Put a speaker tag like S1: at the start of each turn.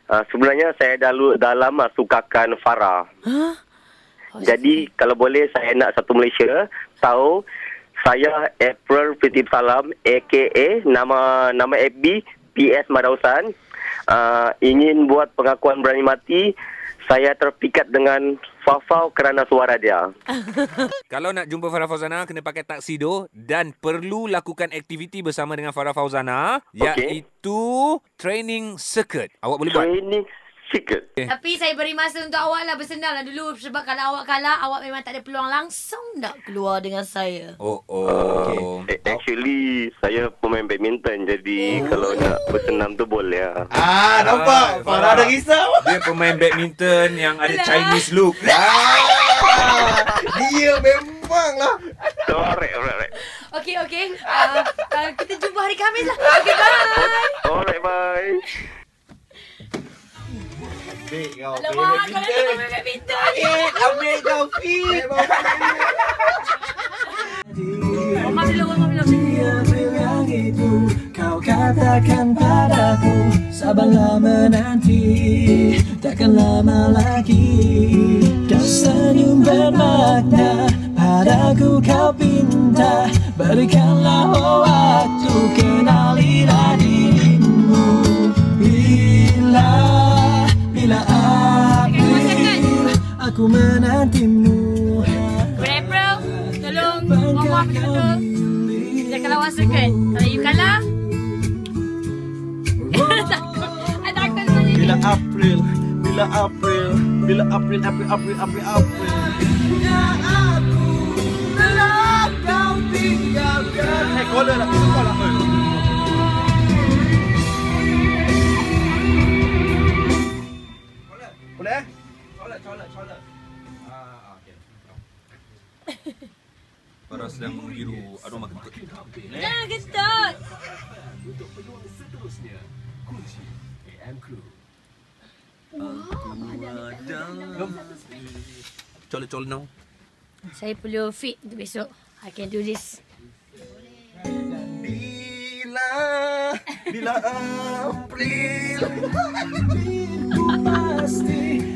S1: Sebenarnya saya dah lama sukakan Farah.
S2: Huh?
S1: Jadi kalau boleh saya nak satu Malaysia tahu saya April Fitib Salam aka nama FB PS Madausan. Ingin buat pengakuan berani mati. Saya terpikat dengan Fafau kerana suara dia.
S3: Kalau nak jumpa Farah Fauzana, kena pakai tuxedo dan perlu lakukan aktiviti bersama dengan Farah Fauzana, iaitu training circuit. Awak boleh buat?
S1: Training circuit.
S2: Tapi saya beri masa untuk awak lah bersenam lah dulu. Sebab kalau awak kalah, awak memang tak ada peluang langsung nak keluar dengan saya.
S1: Actually, saya pemain badminton. Jadi kalau nak bersenam tu boleh lah.
S4: Nampak? Farah ada risau.
S3: Dia pemain badminton yang ada Chinese look.
S4: Dia memang lah.
S1: Alright.
S2: Okey. Kita jumpa hari Khamis lah. Okey, bye.
S1: Alright, bye.
S4: Baik kau.
S2: Alamak, kalau dia pemain badminton.
S4: Ambil kau, Fit.
S2: Mama belum.
S5: Bilang itu kau katakan padaku, sabarlah menanti, takkan lama lagi. Kau senyum bermakna, padaku kau pinta, berikanlah waktu, kenalilah dirimu. Bila April, aku menantimu.
S2: April, tolong Mama betul-betul. Jangan lawan circuit. Kalau you kalah, takut sebenarnya.
S4: Bila April. Bila April. Aku telah kau tinggalkan. Caller lah. Boleh? Caller. Okay.
S3: Farah sedang menghiru aroma kentut.
S2: Jangan kentut.
S6: Untuk peluang seterusnya, kunci AM Crew.
S3: Caller now.
S2: Saya perlu fit untuk besok. I can do this.
S4: Bila April.
S5: Pasti